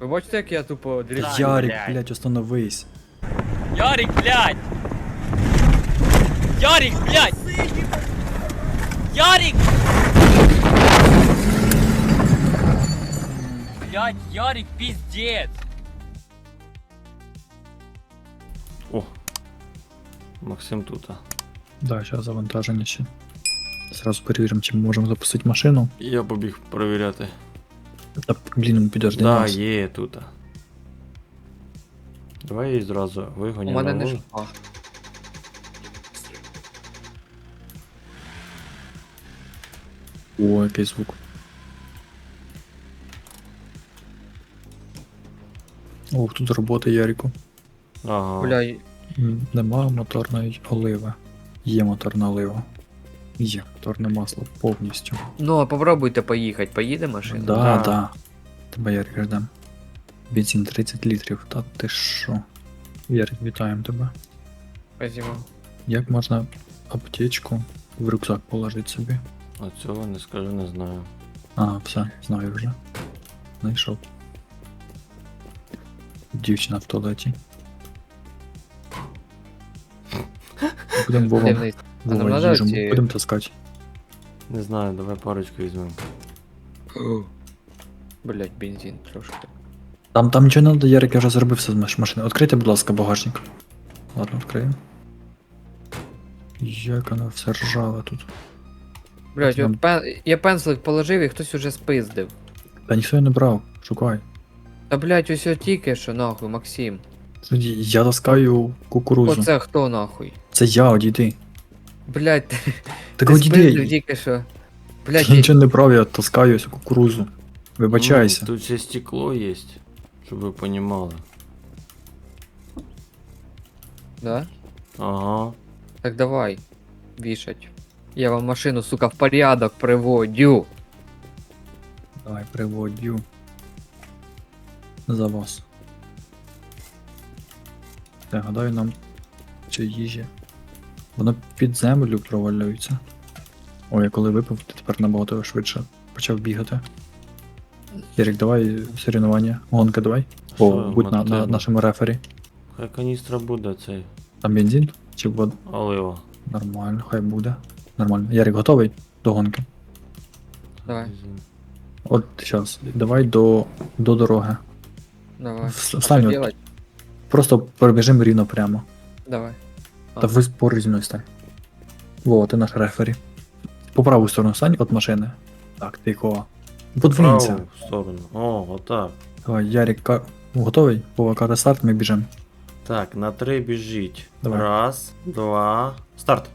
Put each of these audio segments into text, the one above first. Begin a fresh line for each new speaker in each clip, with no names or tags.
Ви бачите, як я тупо дріжджу?
Ярик,
блядь.
блядь, остановись.
Ярик, блядь! Ярик, блядь! Ярик! Блядь, Ярик, пиздец!
О. Максим тут.
Да, зараз завантаження ще. Зразу перевіримо, чи ми можемо запустити машину.
Я побіг перевіряти.
Та, блін, підожди
Да,
нас.
є тут. Давай її зразу
У
вигонимо.
мене не
на
жопа.
О, який звук. Ох, тут робота Ярику.
Ага.
Бля,
Нема моторної оливи. Є моторна олива. Є моторне масло повністю.
ну а попробуйте поїхати, поїде машина?
Да,
Да.
да. Тебе Ярик ждем. Бензин 30 літрів, та ти що? Ярик, вітаємо тебе.
Спасибо.
Як можна аптечку в рюкзак положити собі?
А цього не скажу, не знаю.
А, все, знаю вже. Знайшов. Дівчина в туалеті. Будемо
Де
Вова,
вниз? А нам
Вова
надо
їжу,
ці-
будемо таскати.
Не знаю, давай парочку візьмемо.
Блять, бензин трошки.
Там нічого не треба, Ярик, я вже зробив все з машини. Відкрийте, будь ласка, багажник. Ладно, відкриємо. Як воно все ржаве тут.
Блять,
Нам-
от я пензлик положив і хтось уже спиздив.
Та ніхто його не брав, шукай.
Та блять, ось тільки що нахуй, Максим.
Тоді я таскаю кукурузу.
Оце хто нахуй?
Це я, одійди.
Блять,
Так
ти спиздив
одійди.
тільки що. Блять,
Я нічого не брав, я таскаю ось кукурузу. Вибачайся.
Ну, тут ще стекло є, щоб ви понімали.
да?
Ага.
Так давай, вішать. Я вам машину, сука, в порядок приводю.
Давай, приводю. За вас. Я гадаю, нам чи їжі. Воно під землю провалюється. Ой, я коли випив, то тепер набагато швидше почав бігати. Ярик, давай соревнування. Гонка давай. О,
Що,
будь на
мотиву?
нашому рефері.
Хай каністра буде цей
Там бензин? Чи вода?
олива.
Нормально, хай буде. Нормально. Ярик, готовий до гонки?
Давай.
От зараз. Давай до дороги.
Давай.
Встань,
Що
от,
делать?
просто пробіжимо рівно прямо.
Давай.
Та ви поруч зі мною стань. Во, ти наш рефері. По праву сторону стань від машини. Так, тихо. Подвинься.
Праву сторону. О, отак.
Давай, Ярик, готовий? Вова, каже старт, ми біжимо.
Так, на 3 біжіть.
Давай.
Раз, два, старт.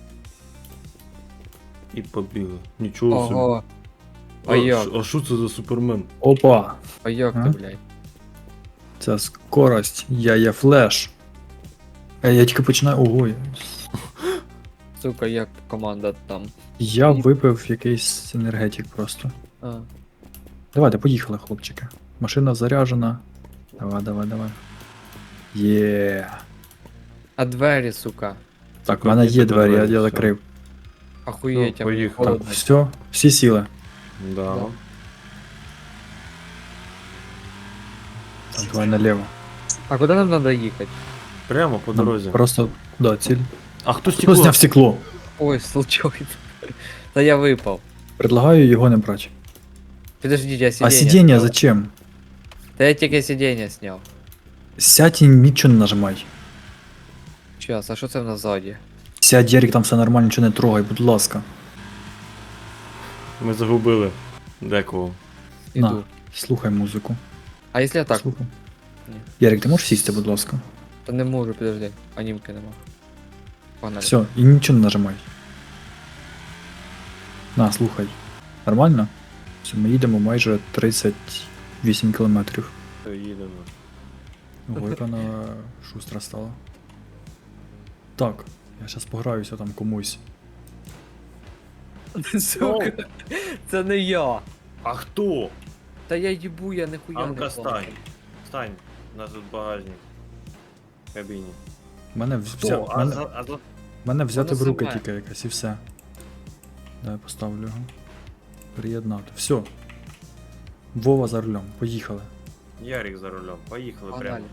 І побігли. Нічого собі.
Ого. А як?
А що це за супермен?
Опа!
А як
А?
ти, блядь?
Це скорость, я є флеш. Я тільки починаю. Ого.
Сука, як команда там.
Я випив якийсь енергетик просто.
А.
Давайте, поїхали, хлопчики. Машина заряджена. Давай, давай, давай. Є.
А двері, сука.
Так, в мене є двері, я
все.
закрив.
Охуєть,
Ну,
а мені
поїхали.
Так,
холодно.
все, всі сіли.
Да.
Да.
Так, давай наліво.
А куди нам треба їхати?
Прямо по
Нам
дорозі.
Просто, да, ціль.
А хто
Хто
стекло?
зняв стекло?
Ой, случайно. Та я випав.
Предлагаю його не брати.
Подождите, я
А
сиденье.
сидіння
снял.
зачем?
Та я тільки сидіння сняв.
Сядь і нічого не нажимай.
Сейчас, а що це в нас ззаді?
Сядь, Ярик, там все нормально, нічого не трогай, будь ласка.
Ми загубили декого.
Іду.
На, слухай музику.
А якщо я так?
Слухай.
Ні.
Ярик, ти можеш сісти, будь ласка?
Та не можу, подожди. Анімки нема. Погнали.
Все, і нічого не нажимай. На, слухай. Нормально? Все, ми їдемо майже 38 кілометрів.
Все, їдемо.
Ого, яка вона шустра стала. Так, я зараз пограюся там комусь.
Сука, це не я.
А хто?
Та я їбу, я ніхуя не
Анка,
помню.
стань. Стань. У нас тут багажник. В кабіні.
Мене, мене взяти
Воно
в руки
саме.
тільки якась і все. Дай я поставлю його. Приєднати. Все. Вова за рулем, поїхали.
Ярик за рулем. Поїхали
Погнали.
прямо.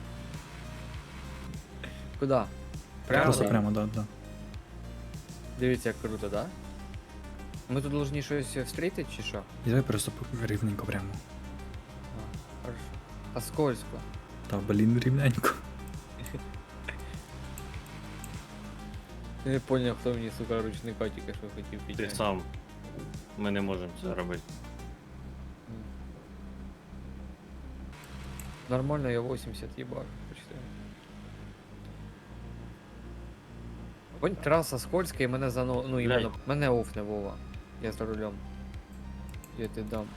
Куда? Прямо?
Просто
Да?
прямо, да.
Дивіться, як круто, да? Ми тут должні щось встріти чи що?
І давай просто рівненько прямо.
А, хорошо. А скользко.
Та блін, рівненько.
Я не поняв, хто мені, сука, ручника тільки що хотів
Ти
підняти.
сам. Ми не можемо це робити.
Нормально, я 80 їбав, почти. Понь, траса скользка і мене зано... Ну, іменно, мене офне, Вова. Я за рулем. Я ти дам.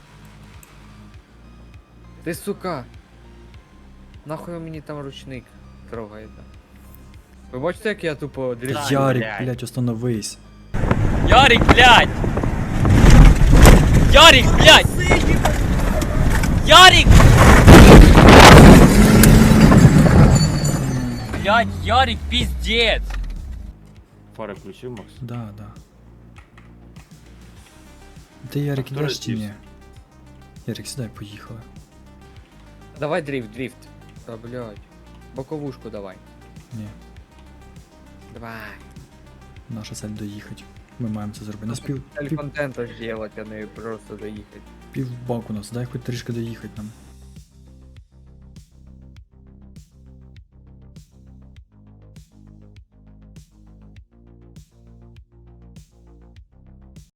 Ти, сука! Нахуй мені там ручник трогаєте? Ви бачите, як я тупо
Та
дрифт?
Ярик,
блядь.
блядь, остановись.
Ярик, блядь! Ярик, блядь! Ярик! Блядь, Ярик, пиздец!
Фари включив, Макс?
Да. Ти Ярик
хто
ідеш чи ні?
роздівся?
Ярик, сідай, поїхали.
Давай дрифт. Та, блядь. Боковушку давай.
Ні,
Давай.
наша цель доїхати. Ми маємо це зробити. Нас
Цель контента сделать, а не просто доїхати.
пів баку нас, дай хоч трішки доїхати нам.